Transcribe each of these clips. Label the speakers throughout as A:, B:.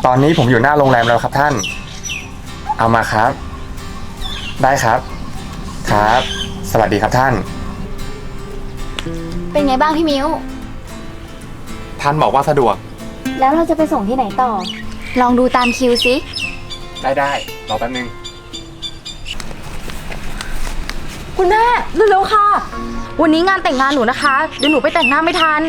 A: ตอนนี้ผมอยู่หน้าโรงแรมแล้วครับท่าน เอามาครับ ได้ครับ ครับ สวัสดีครับท่าน
B: เป็นไงบ้างพี่มิ้ว
A: ท่านบอกว่าสะดวก
B: แล้วเราจะไปส่งที่ไหนต่อ ลองดูตามคิวสิ
A: ได้รอแป๊บนึง
C: คุณแม่เร็วๆค่ะ วันนี้งานแต่งงานหนูนะคะ เดี๋ยวหนูไปแต่งหน้าไม่ทัน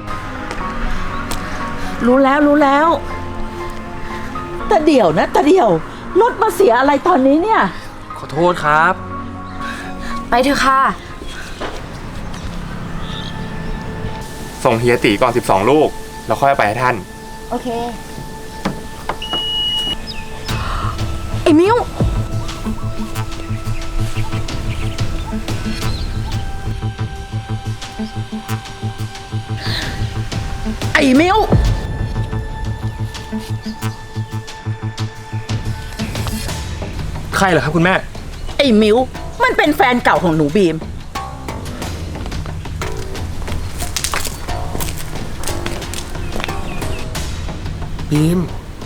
D: รู้แล้วแต่เดี๋ยวนะแต่เดี๋ยวรถมาเสียอะไรตอนนี้เนี่ย
E: ขอโทษครับ
C: ไปเถอะค่ะ
A: ส่งเฮียตีก่อน12 ลูก แล้วค่อยไปให้ท่าน
B: โอเค
C: ไอ้มิ้ว
D: ไอ้มิว
E: ใครเหรอครับคุณแม่
D: ไอ้มิวมันเป็นแฟนเก่าของหนูบีม
A: บีม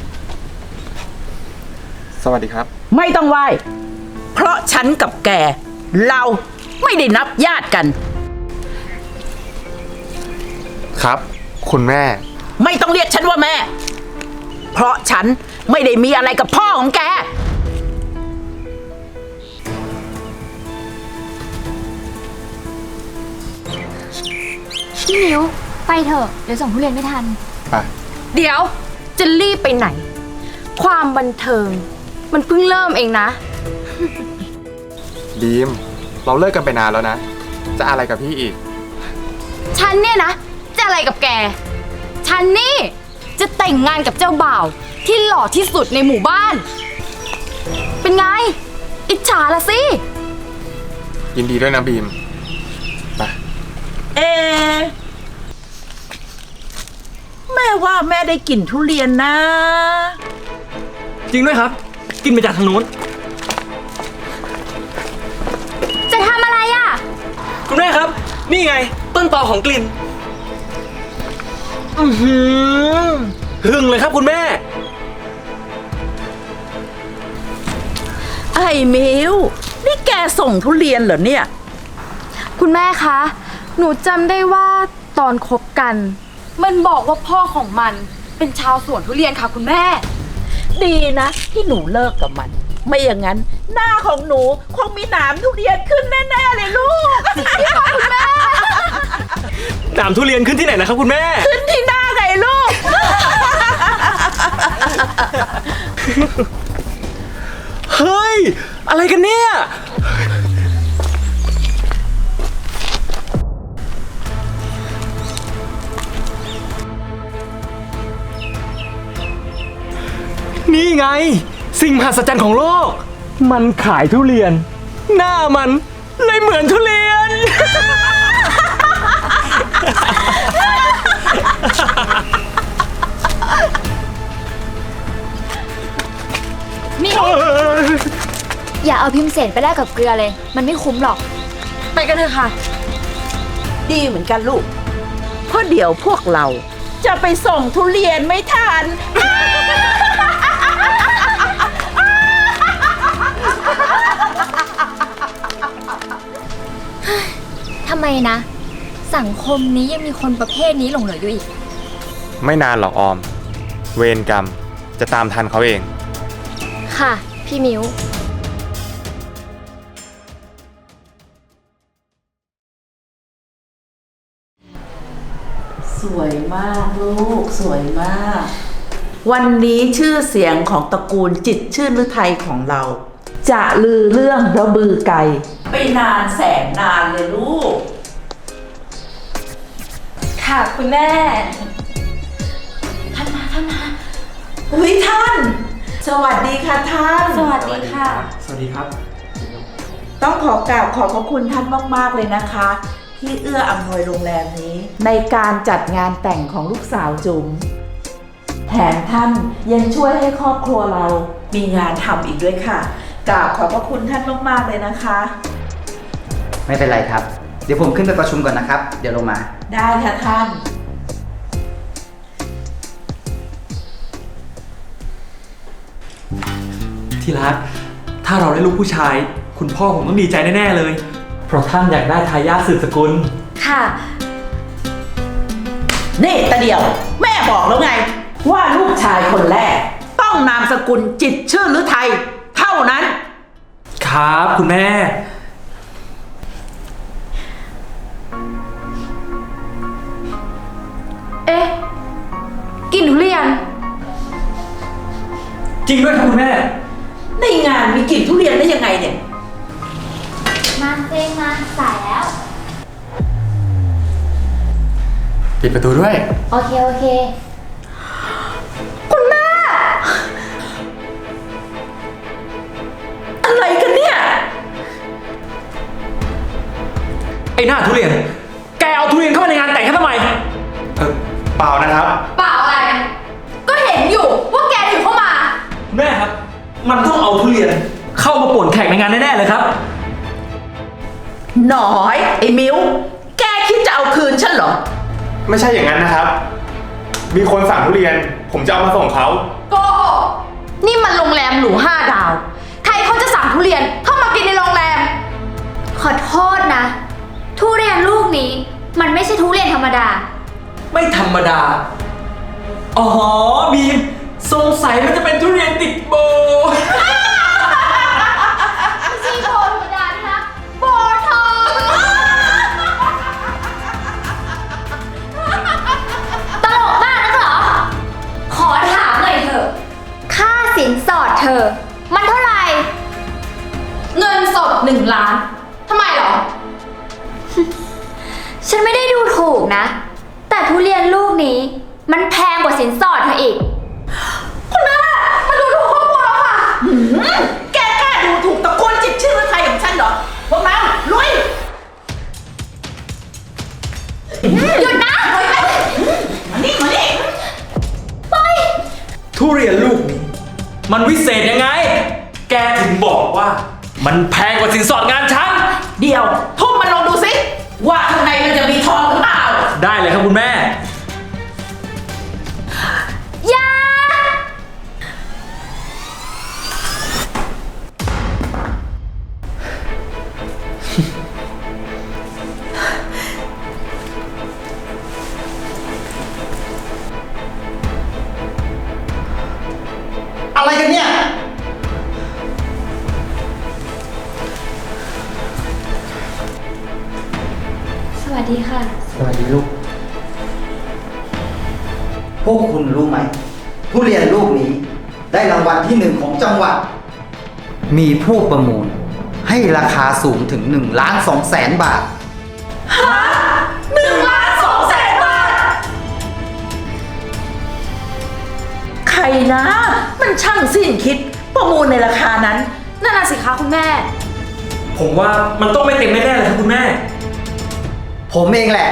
A: สวัสดีครับ
D: ไม่ต้องไหว้เพราะฉันกับแก เราไม่ได้นับญาติกัน
A: ครับ คุณแม่
D: ไม่ต้องเรียกฉันว่าแม่ เพราะฉันไม่ได้มีอะไรกับพ่อของแก
B: พี่มิ้ว ไปเถอะ เดี๋ยวส่งทุเรียนไม่ทัน
A: ไป
C: เดี๋ยวจะรีบไปไหน ความบันเทิง มันเพิ่งเริ่มเองนะ
A: บีม เราเลิกกันไปนานแล้วนะ จะอะไรกับพี่อีก
C: ฉันเนี่ยนะ จะอะไรกับแก ฉันนี่ จะแต่งงานกับเจ้าบ่าว ที่หล่อที่สุดในหมู่บ้าน เป็นไง อิจฉาละสิ
A: ยินดีด้วยนะบีม ไป
D: เอะแม่ว่าแม่ได้กลิ่นทุเรียนนะ
E: จริงด้วยครับ กินมาจากทางนู้น
C: จะทำอะไรอ่ะ
E: คุณแม่ครับ นี่ไง ต้นตอของกลิ่น หึงเลยครับคุณแม่
D: ไอ้มิวนี่แกส่งทุเรียนเหรอเนี่ย
C: คุณแม่คะ หนูจำได้ว่าตอนคบกัน มันบอกว่าพ่อของมันเป็นชาวสวนทุเรียนค่ะคุณแม่
D: ดีนะที่หนูเลิกกับมัน ไม่อย่างนั้น หน้าของหนูคงมีหนามทุเรียนขึ้นแน่ๆเลยลูก
E: หนามทุเรียนขึ้นที่ไหนนะครับคุณแม่
D: ขึ้นที่หน้าไงลูก
E: เฮ้ย อะไรกันเนี่ย นี่ไง สิ่งมหัศจรรย์ของโลก มันขายทุเรียน หน้ามันเลยเหมือนทุเรียน
B: นี่ อย่าเอาพิมพ์เศษไปแลกกับเกลือเลย มันไม่คุ้มหรอก
C: ไปกันเถอะค่ะ
D: ดีเหมือนกันลูก เพราะเดี๋ยวพวกเราจะไปส่งทุเรียนไม่ทัน
B: ทำไมนะ สังคมนี้ยังมีคนประเภทนี้หลงเหลืออยู่อีก
A: ไม่นานหรอกออม เวรกรรมจะตามทันเขาเอง
B: ค่ะ พี่มิ้ว
D: สวยมากลูกสวยมาก วันนี้ชื่อเสียงของตระกูลจิตรชื่นฤทัยของเรา จะลือเรื่องระบือไก่ไปนานแสนนานเลยลูก
C: ค่ะคุณแม่
D: ท่านมาอุ้ยท่าน สวัสดีค่ะท่าน
C: สวัสดีค่ะ
E: สวัสดีครับ
D: ต้องขอกราบขอบพระคุณท่านมากๆเลยนะคะ ที่เอื้ออำนวยโรงแรมนี้ ในการจัดงานแต่งของลูกสาวจุ๋มแถมท่านยังช่วยให้ครอบครัวเรา มีงานทำอีกด้วยค่ะกราบขอบพระคุณท่านมากๆเลยนะคะ
F: ไม่เป็นไรครับ เดี๋ยวผมขึ้นไปประชุมก่อนนะครับ เดี๋ยวลงมา
D: ได้ค่ะท่าน
E: ที่รัก ถ้าเราได้ลูกผู้ชาย คุณพ่อผมต้องดีใจแน่ๆเลย เพราะท่านอยากได้ทายาทสืบสกุล
B: ค่ะ
D: นี่ตาเดียว แม่บอกแล้วไง ว่าลูกชายคนแรก ต้องนามสกุลจิตรชื่อฤทัยเท่านั้น
E: ครับคุณแม่
C: เอ๊ะกลินทุเรียน
E: จริงด้วยครับคุณแม่
D: ในงานมีกลิ่นทุเรียนได้ยังไงเนี่ย
B: มาเซงมาสายแล้ว
A: ปิดประตูด้วย
B: โอเค โอเค
D: อะไรกันเนี่ย
E: ไอ้หน้าทุเรียน แกเอาทุเรียนเข้ามาในงานแต่งฉันทำไม
A: เปล่านะครับ
C: เปล่าอะไร ก็เห็นอยู่ว่าแกถือเข้ามา
E: แม่ครับ มันต้องเอาทุเรียน เข้ามาป่วนแขกในงานแน่ๆเลยครับ
D: หน่อยไอ้มิวแกคิดจะเอาคืนฉันเหรอ
A: ไม่ใช่อย่างนั้นนะครับ มีคนสั่งทุเรียน ผมจะเอามาส่งเขา
C: โกหกนี่มันโรงแรมหรู5 ดาว ใครเขาจะสั่งทุเรียนเข้ามากินในโรงแรม
B: ขอโทษนะ ทุเรียนลูกนี้ มันไม่ใช่ทุเรียนธรรมดา
E: ไม่ธรรมดา อ๋อบีมสงสัยมันจะเป็นทุเรียนติดโบ
B: ไม่ใช่โบธรรมดานะคะโบทองตลกมากนะเหรอ ขอถามหน่อยเถอะ ค่าสินสอดเธอ มันเท่าไหร่
C: เงินสด1 ล้านทำไมเหรอ
B: ฉันไม่ได้ดูถูกนะ แต่ทุเรียนลูกนี้ มันแพงกว่าสินสอดเธออีก
C: มาดูถูกครอบครัวเราค่ะ
D: แกกล้าดูถูกตระกูลจิตรชื่อฤทัยของฉันเหรอ พวกเราลุย
B: หยุดนะ
D: มานี่มานี่
E: ทุเรียนลูกนี้ มันวิเศษยังไง แกถึงบอกว่า มันแพงกว่าสินสอดงานฉัน
D: เดี๋ยวทุ่มมันลงดูสิ ว่าข้างในมันจะมีทองหรือเปล่า
E: ได้เลยครับคุณแม่
B: อย่า
F: อะไรกันเนี่ย
B: สวัสดีค่ะ
F: สวัสดีลูก พวกคุณรู้ไหม ทุเรียนลูกนี้ ได้รางวัลที่ 1ของจังหวัด มีผู้ประมูล ให้ราคาสูงถึง1,200,000 บาท
D: 1,200,000 บาท ใครนะ มันช่างสิ้นคิด ประมูลในราคานั้น
C: นั่นน่ะสิคะคุณแม่
E: ผมว่ามันต้องไม่เต็มแน่ๆเลยครับคุณแม่
F: ผมเองแหละ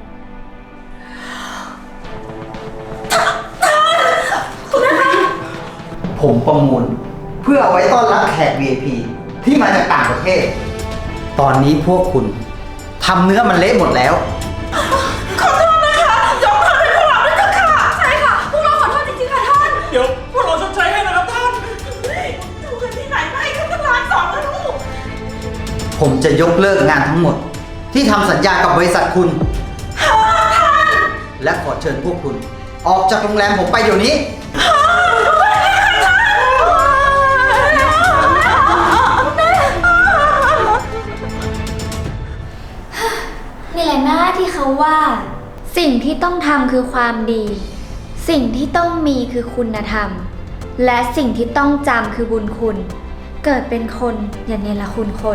F: ผมประมูล เพื่อเอาไว้ต้อนรับแขก VIP ที่มาจากต่างประเทศ ตอนนี้พวกคุณทำเนื้อมันเละหมดแล้ว
E: เดี๋ยวพวกเราชดใช้ให้นะครับท่าน
D: ดูกันที่ไหนไม่เขาก็1,200,000แล้วลูก
F: ผมจะยกเลิกงานทั้งหมด ที่ทำสัญญากับบริษัทคุณ และขอเชิญพวกคุณ ออกจากโรงแรมผมไปเดี๋ยวนี้
B: นี่แหละนะที่เขาว่า สิ่งที่ต้องทำคือความดี สิ่งที่ต้องมีคือคุณธรรม และสิ่งที่ต้องจำคือบุญคุณ เกิดเป็นคนอย่าเนรคุณคน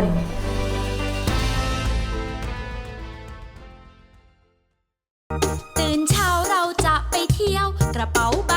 G: ตื่นเช้าเราจะไปเที่ยวกระเป๋า